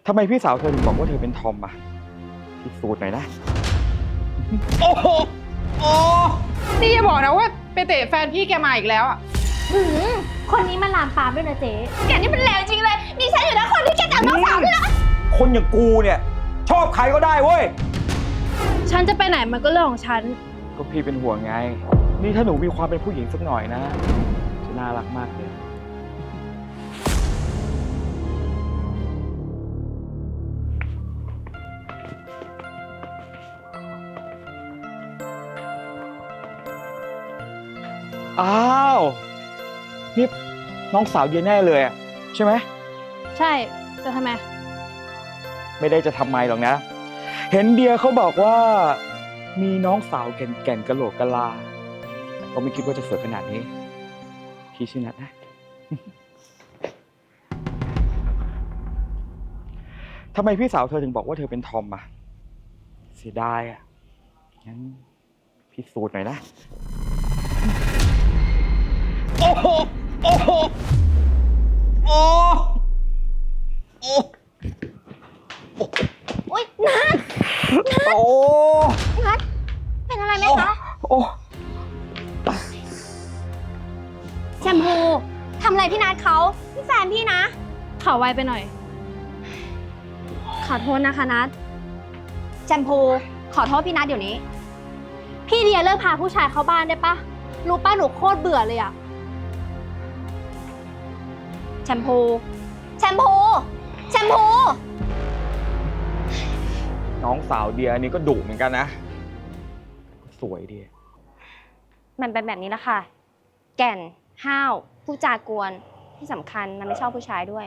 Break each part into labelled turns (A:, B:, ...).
A: ทำไมพี่สาวเธอถึงบอกว่าเธอเป็นทอมอะพิสูจน์หน่อยนะ
B: โอ้โหโอ้นี่อย่าบอกนะว่าไปเตะแฟนพี่แกมาอีกแล้วอ่ะ
C: คนนี้มันลามปามด้วยนะเจ๊แกนี่มันแรงจริงเลยดิฉันอยู่นะคนที่แกจับน้องสาวด้วยนะ
A: คนอย่างกูเนี่ย ชอบใครก็ได้เว้ย
C: ฉันจะไปไหนมันก็เรื่องของฉัน
A: ก็พี่เป็นห่วงไง นี่ถ้าหนูมีความเป็นผู้หญิงสักหน่อยนะ จะน่ารักมากเลย อ้าว นี่น้องสาวเดียแน่เลยอะใช่ไหม
C: ใช่จะทำไม
A: ไม่ได้จะทำไมหรอกนะ เห็นเดียเขาบอกว่า มีน้องสาวแก่นๆกะโหลกกะลาแต่ก็ไม่คิดว่าจะสวยขนาดนี้ พี่ชื่อนัทนะ ทำไมพี่สาวเธอถึงบอกว่าเธอเป็นทอมอะเสียดายอะงั้นพิสูจน์หน่อยนะ
B: โอ้โหโอ้โหโอ้โอ้
C: อุ๊ยนัท
A: โอ้
C: นัทเป็นอะไรไหมคะ
A: โอ้
C: แชมพูทำอะไรพี่นัทเขาพี่แฟนพี่นะขอไวไปหน่อย ขอโทษนะคะนัทแชมพูขอโทษพี่นัทเดี๋ยวนี้ พี่เดียเลิกพาผู้ชายเข้าบ้านได้ปะรู้ป้าหนูโคตรเบื่อเลยอะแชมพูแชมพูแชมพู
A: น้องสาวเดียนี่ก็ดุเหมือนกันนะ สวยดี
D: มันเป็นแบบนี้แหละค่ะ แก่น ห้าว ผู้จากวน ที่สำคัญมันไม่ชอบผู้ชายด้วย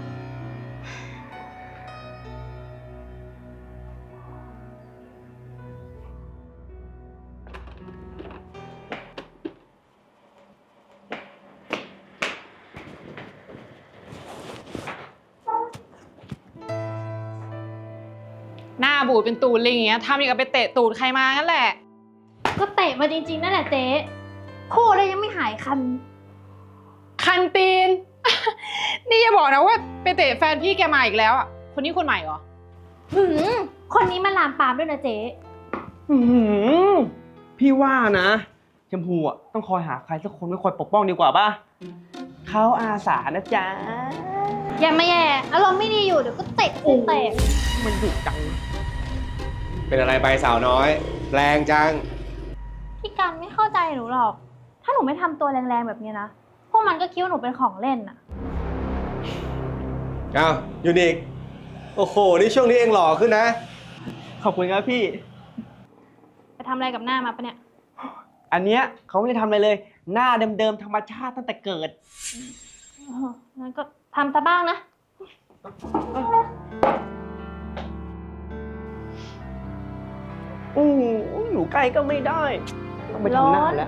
B: หน้าบูดเป็นตูดลิงอย่างเงี้ยทำอย่างกับไปเตะตูดใครมางั้นแหละ
C: ก็เตะมาจริงๆนั่นแหละเจ๊พูดแล้วยังไม่หายคัน
B: คันตีน นี่อย่าบอกนะว่าไปเตะแฟนพี่แกมาอีกแล้วอ่ะ คนนี้คนใหม่เหรอ
C: คนนี้มันลามปามด้วยนะเจ๊
E: พี่ว่านะชมพูอ่ะต้องคอยหาใครสักคนไว้คอยปกป้องดีกว่าป่ะเขาอาสานะจ๊ะ
C: อย่ามาแย่อารมณ์ไม่ดีอยู่เดี๋ยวก็เตะเตะ
E: มันดุจัง
F: เป็นอะไรไปสาวน้อย แรงจัง
C: พี่กันไม่เข้าใจหนูหรอก ถ้าหนูไม่ทำตัวแรงๆแบบนี้นะ พวกมันก็คิดว่าหนูเป็นของเล่นน่ะ
F: อ้าวยูนิคโอ้โห นี่ช่วงนี้เองหล่อขึ้นนะ
E: ขอบคุณครับพี่
C: ไปทำอะไรกับหน้ามาปะเนี่ย
E: อันเนี้ยเขาไม่ได้ทำอะไรเลย หน้าเดิมๆธรรมชาติตั้งแต่เกิด
C: งั้นก็ทำซะบ้างนะ
E: อยู่ใกล้ก็ไม่ได้ ต้องไปทำหน้าแล้ว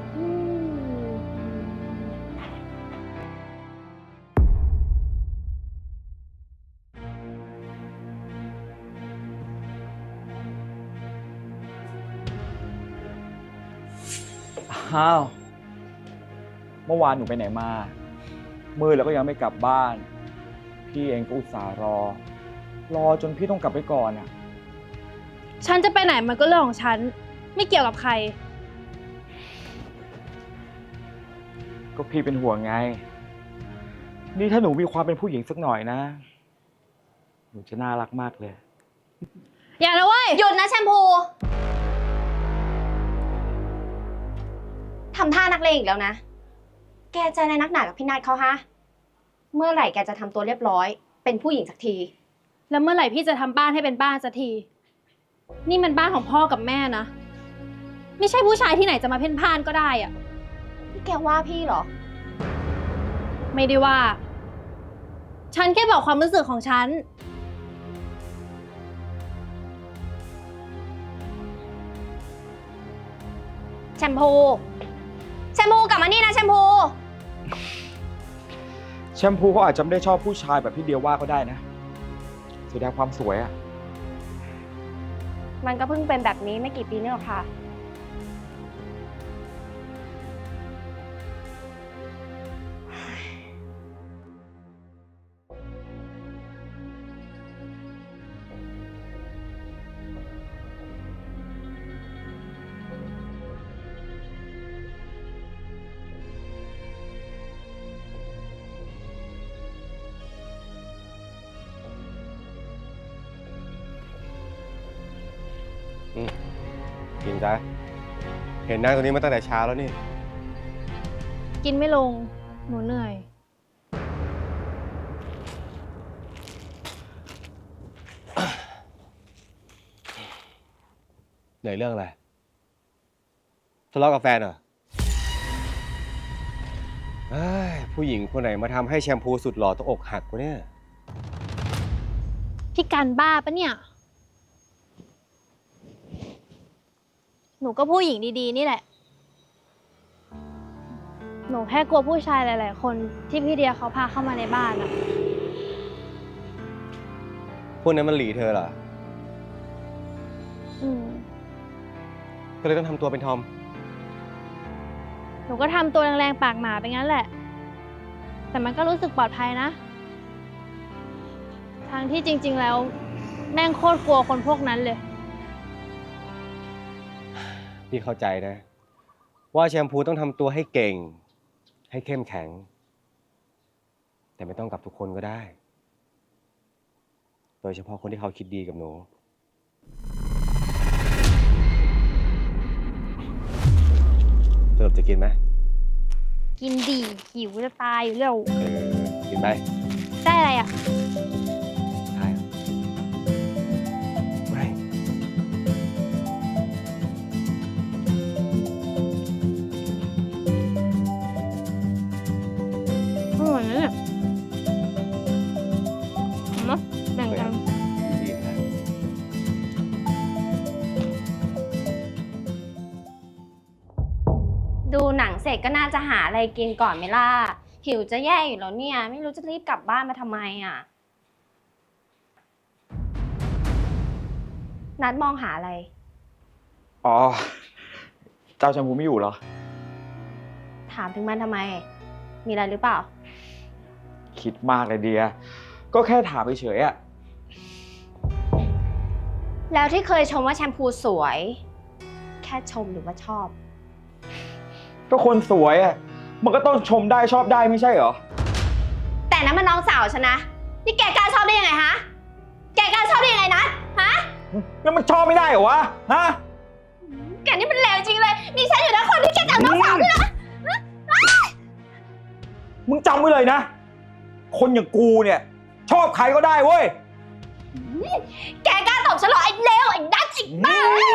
A: อ้าว เมื่อวานหนูไปไหนมา มืดแล้วก็ยังไม่กลับบ้าน พี่เองก็อุตส่าห์รอจนพี่ต้องกลับไปก่อนอ่ะ
C: ฉันจะไปไหนมันก็เรื่องของฉัน ไม่เกี่ยวกับใคร
A: ก็พี่เป็นห่วงไง นี่ถ้าหนูมีความเป็นผู้หญิงสักหน่อยนะ หนูจะน่ารักมากเลย
C: อย่านะเว้ย
D: หยุดนะแชมพู ทำท่านักเลงอีกแล้วนะ แกใจในนักหนากับพี่นัทเขาฮะ เมื่อไหร่แกจะทำตัวเรียบร้อย เป็นผู้หญิงสักที
C: แล้วเมื่อไหร่พี่จะทำบ้านให้เป็นบ้านสักที นี่มันบ้านของพ่อกับแม่นะ ไม่ใช่ผู้ชายที่ไหนจะมาเพ่นพ่านก็ได้อะ
D: นี่แกว่าพี่เหรอ
C: ไม่ได้ว่า ฉันแค่บอกความรู้สึกของฉัน
D: แชมพู แชมพูกลับมานี่นะแชมพู
A: แชมพูเขาอาจจะไม่ได้ชอบผู้ชายแบบที่เดียว่าก็ได้นะเสียดายความสวยอ่ะ
D: มันก็เพิ่งเป็นแบบนี้ไม่กี่ปีนี่หรอกค่ะ
F: กินซะเห็นนั่งตรงนี้มาตั้งแต่เช้าแล้วนี่
C: กินไม่ลง หนูเหนื่อย
F: เหนื่อยเรื่องอะไรทะเลาะกับแฟนเหรอเอ้ยผู้หญิงคนไหนมาทำให้แชมพูสุดหล่อต้องอกหักวะเนี่ย
C: พี่การบ้าปะเนี่ย หนูก็ผู้หญิงดีๆนี่แหละ หนูแค่กลัวผู้ชายหลายๆคนที่พี่เดียเขาพาเข้ามาในบ้านอะ
F: พวกนั้นมันหลีเธอเหรอ
C: อืม
F: ก็เลยต้องทำตัวเป็นทอม
C: หนูก็ทำตัวแรงๆปากหมาไปงั้นแหละ แต่มันก็รู้สึกปลอดภัยนะ ทั้งที่จริงๆแล้ว แม่งโคตรกลัวคนพวกนั้นเลย
F: พี่เข้าใจนะ ว่าแชมพูต้องทำตัวให้เก่ง ให้เข้มแข็ง แต่ไม่ต้องกับทุกคนก็ได้ โดยเฉพาะคนที่เขาคิดดีกับหนูสรุปจะกินไหม
C: กินดีหิวจะตายอยู่แล้ว
F: กินไหม
C: ได้อะไรอ่ะ
F: ใช่ไม่
C: อร่อยนะเนี่ยมาแบ่งกัน
F: ดีนะ
D: ดูหนังเสร็จก็น่าจะหาอะไรกินก่อนไหมล่ะ หิวจะแย่อยู่แล้วเนี่ย ไม่รู้จะรีบกลับบ้านมาทำไมอ่ะ นัดมองหาอะไร
A: อ๋อ เจ้าแชมพูไม่อยู่เหรอ
D: ถามถึงมันทำไม มีอะไรหรือเปล่า
A: คิดมากเลยเดีย ก็แค่ถามเฉยๆอะ
D: แล้วที่เคยชมว่าแชมพูสวย แค่ชมหรือว่าชอบ
A: ก็คนสวยอะมันก็ต้องชมได้ชอบได้ไม่ใช่เหรอ
D: แต่นั้นมันน้องสาวฉันนะ นี่แกกล้าชอบได้ยังไงฮะ แกกล้าชอบได้ยังไงนะฮะ
A: แล้วมันชอบไม่ได้เหรอวะ ฮะ
D: แกนี่มันเลวจริงเลย นี่ฉันอยู่นะคนที่แกจะเอาน้องสาวด้วยนะ
A: มึงจำไว้เลยนะ คนอย่างกูเนี่ย ชอบใครก็ได้เว้ย
D: แกกล้าตบฉันเหรอไอ้เลวไอ้ดัชไอ้บ้า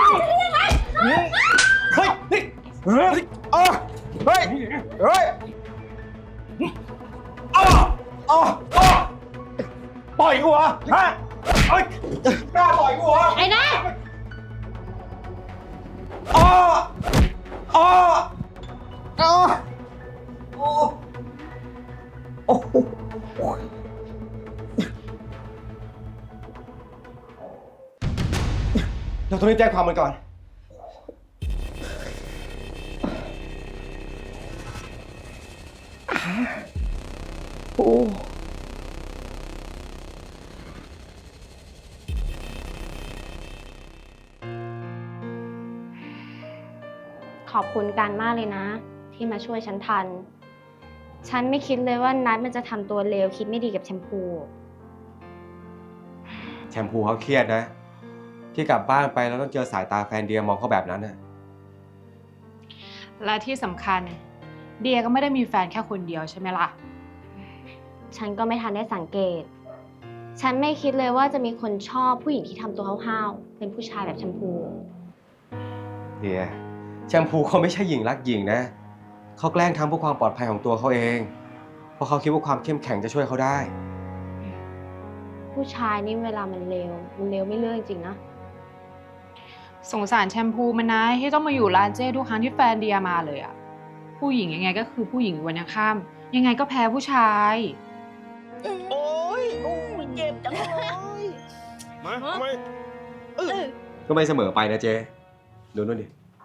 A: เฮ้ยนี่เฮ้ยเฮ้ยเฮ้ยเฮ้ยอ้ออ้ออ้อปล่อยกูเหรอฮะเฮ้ยกล้าปล่อยกูเหรอ
D: ไอ้นัท
A: อ้ออ้ออ้อโอ้โอ้โห
F: เราต้องรีบแจ้งความมันก่อน
D: ขอบคุณกันมากเลยนะ ที่มาช่วยฉันทัน ฉันไม่คิดเลยว่านัทมันจะทำตัวเลวคิดไม่ดีกับแชมพู
F: แชมพูเขาเครียดนะ ที่กลับบ้านไปแล้วต้องเจอสายตาแฟนเดียมองเขาแบบนั้นน่ะ
B: และที่สำคัญ เดียก็ไม่ได้มีแฟนแค่คนเดียวใช่ไหมล่ะ
D: ฉันก็ไม่ทันได้สังเกต ฉันไม่คิดเลยว่าจะมีคนชอบผู้หญิงที่ทำตัวห้าวๆ เป็นผู้ชายแบบแชมพู
F: เดียแชมพูเขาไม่ใช่หญิงรักหญิงนะ เขาแกล้งทำเพื่อความปลอดภัยของตัวเขาเอง เพราะเขาคิดว่าความเข้มแข็งจะช่วยเขาได้
D: ผู้ชายนี่เวลามันเลวไม่เลือกจริงๆนะ
B: สงสารแชมพูมันนะที่ต้องมาอยู่ร้านเจ้ทุกครั้งที่แฟนเดียมาเลยอะผู้หญิงยังไงก็คือผู้หญิงวันยังข้ามยังไงก็แพ้ผู้ชาย
G: โอ้ยเจ็บจังเลย
F: มาทำไมก็ไม่เสมอไปนะเจ ดูนู่นดิ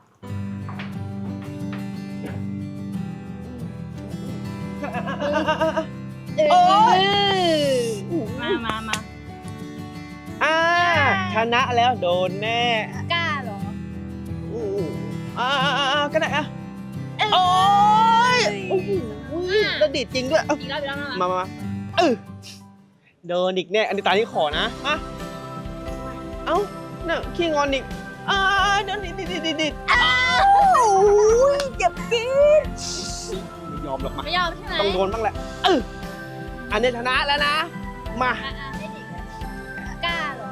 G: โอ้ย
C: มา
G: ชนะแล้วโดนแน่
C: กล้าเหรอ
G: ก็ได้อะโอ้ยโอ้โหกระดิดจริงด้วย
C: อีกรอบ
G: มาโดนอีกแน่ อันนี้ตาที่ขอนะมาเอ้าน่ะขี้งอนอีก
E: เดี๋ยวดิ
G: อ้าวเจ็บจี๊ด
E: ไม่ยอมหรอกมา
G: ไม่ยอมใช่ไหม
E: ต้องโดนบ้างแหละอันนี้ชนะแล้วนะ มา
G: ให้ดิกล้าเหรอ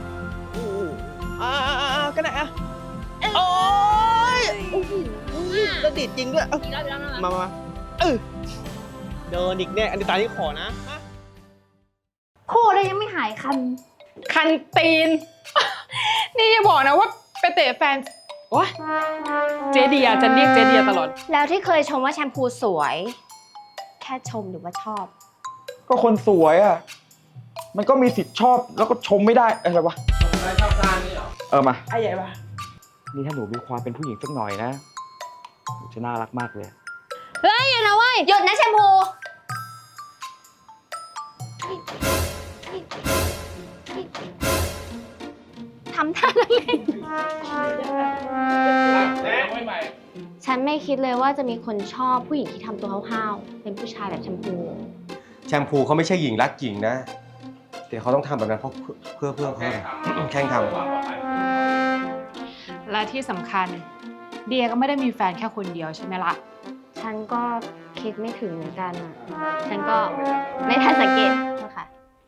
E: ก็ได้อะโอ้ยแล้วดิดจริงด้วย
G: อีกรอบ
E: มาเดินอีกเนี่ยอันนี้ตาที่ขอนะ
C: พูดแล้วยังไม่หายคัน
B: คันตีน นี่อย่าบอกนะว่าไปเตะแฟนโอ๊ยเจเดียจะเรียกเจเดียตลอด
D: แล้วที่เคยชมว่าแชมพูสวย แค่ชมหรือว่าชอบ
A: ก็คนสวยอ่ะ มันก็มีสิทธิ์ชอบแล้วก็ชมไม่ได้อะไรวะ
E: ชอบการนี่เหรอ
A: มา
E: ไอ้ใหญ่ปะ
A: นี่ถ้าหนูมีความเป็นผู้หญิงสักหน่อยนะหนูจะน่ารักมากเลย
C: เฮ้ยอย่านะเว้ย
D: หยุดนะแชมพู
C: ทำท่าอะไร
D: ฉันไม่คิดเลยว่าจะมีคนชอบผู้หญิงที่ทำตัวห้าวๆเป็นผู้ชายแบบแชมพู
F: แชมพูเขาไม่ใช่หญิงรักหญิงนะแต่เขาต้องทำแบบนั้นเพราะเพื่อเขาแข่งทำ
B: และที่สำคัญ เดียก็ไม่ได้มีแฟนแค่คนเดียวใช่ไหมล่ะ
D: ฉันก็คิดไม่ถึงเหมือนกันอ่ะ ฉันก็ไม่ทันสังเกต